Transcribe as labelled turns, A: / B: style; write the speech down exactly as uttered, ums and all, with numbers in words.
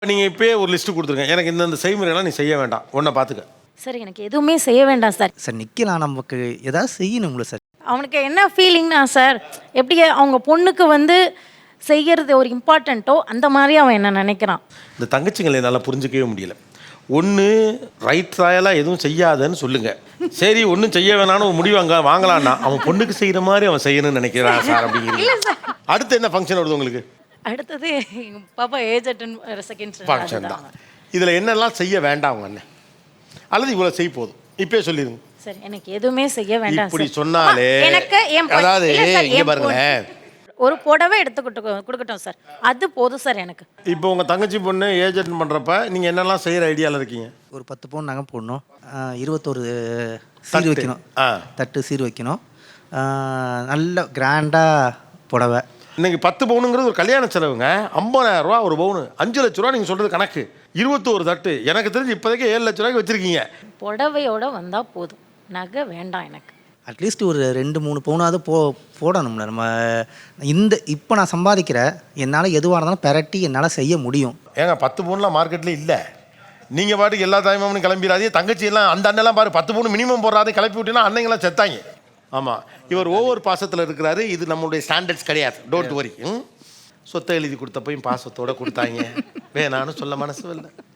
A: நீங்கள் இப்போயே ஒரு லிஸ்ட்டு கொடுத்துருங்க, எனக்கு இந்தந்த செய்முறையெல்லாம் நீ செய்ய வேண்டாம், ஒன்றை பார்த்துக்க.
B: சார் எனக்கு எதுவுமே செய்ய வேண்டாம் சார்.
C: சார் நிற்கலாம், நமக்கு ஏதாவது செய்யணுங்களா சார்?
B: அவனுக்கு என்ன ஃபீலிங்னா சார், எப்படி அவங்க பொண்ணுக்கு வந்து செய்கிறது ஒரு இம்பார்ட்டண்ட்டோ அந்த மாதிரி அவன் என்ன நினைக்கிறான்.
A: இந்த தங்கச்சிங்களை என்னால் புரிஞ்சிக்கவே முடியல. ஒன்று ரைட் ராயலாக எதுவும் செய்யாதன்னு சொல்லுங்கள், சரி ஒன்றும் செய்ய வேணான்னு ஒரு முடிவு அங்கே வாங்கலான்னா அவன் பொண்ணுக்கு செய்கிற மாதிரி அவன் செய்யணும்னு நினைக்கிறான் சார் அப்படிங்கிறது. அடுத்து என்ன ஃபங்க்ஷன் வருது உங்களுக்கு?
B: அடுத்தது எங்கள் பாப்பா ஏஜ் அட்டன் செகண்ட்
A: ஃபங்க்ஷன் தான். இதில் என்னெல்லாம் செய்ய வேண்டாம் அவங்க அண்ணன், அல்லது இவ்வளோ செய் போதும் இப்பயே சொல்லிடுங்க.
B: சார் எனக்கு எதுவுமே செய்ய வேண்டாம்.
A: இப்படி சொன்னாலே
B: எனக்கு
A: அதாவது இங்கே பாருங்களேன்,
B: ஒரு புடவை எடுத்துக்கிட்டு கொடுக்கட்டும் சார், அது போதும் சார் எனக்கு.
A: இப்போ உங்கள் தங்கச்சி பொண்ணு ஏஜ் அட்டன் பண்ணுறப்ப நீங்கள் என்னெல்லாம் செய்கிற ஐடியாவில் இருக்கீங்க?
C: ஒரு பத்து பவுன் நகை போடணும், இருபத்தோரு சீர் வைக்கணும், தட்டு சீர் வைக்கணும், நல்ல கிராண்டாக புடவை.
A: இன்னைக்கு பத்து பவுனுங்கிறது ஒரு கல்யாண செலவுங்க. ஐம்பதாயிரம் ரூபா ஒரு பவுனு, அஞ்சு லட்ச ரூபா நீங்கள் சொல்கிறது கணக்கு. இருபத்தோரு தட்டு எனக்கு தெரிஞ்சு இப்போதைக்கு ஏழு லட்ச ரூபாய்க்கு வச்சுருக்கீங்க.
B: புடவையோட வந்தால் போதும், நகை வேண்டாம் எனக்கு.
C: அட்லீஸ்ட் ஒரு ரெண்டு மூணு பவுனாவது போ போடணும்ல நம்ம. இந்த இப்போ நான் சம்பாதிக்கிற என்னால் எதுவாக இருந்தாலும் பெரட்டி என்னால் செய்ய முடியும்.
A: ஏங்க பத்து பவுன்லாம் மார்க்கெட்டில் இல்லை. நீங்கள் பாட்டுக்கு எல்லா தாய்மாமனும் கிளம்பிடாதே. தங்கச்சி எல்லாம் அந்த அண்ணெல்லாம் பாரு பத்து பவுன் மினிமம் போடுறாதே, கிளப்பி விட்டீங்கன்னா அன்னைங்கெல்லாம் செத்தாங்க. ஆமாம், இவர் ஒவ்வொரு பாசத்தில் இருக்கிறாரு. இது நம்மளுடைய ஸ்டாண்டர்ட்ஸ் கிடையாது, டோன்ட் வரி. சொத்தை எழுதி கொடுத்தப்பையும் பாசத்தோடு கொடுத்தாங்க, வேணான்னு சொல்ல மனசு இல்லை.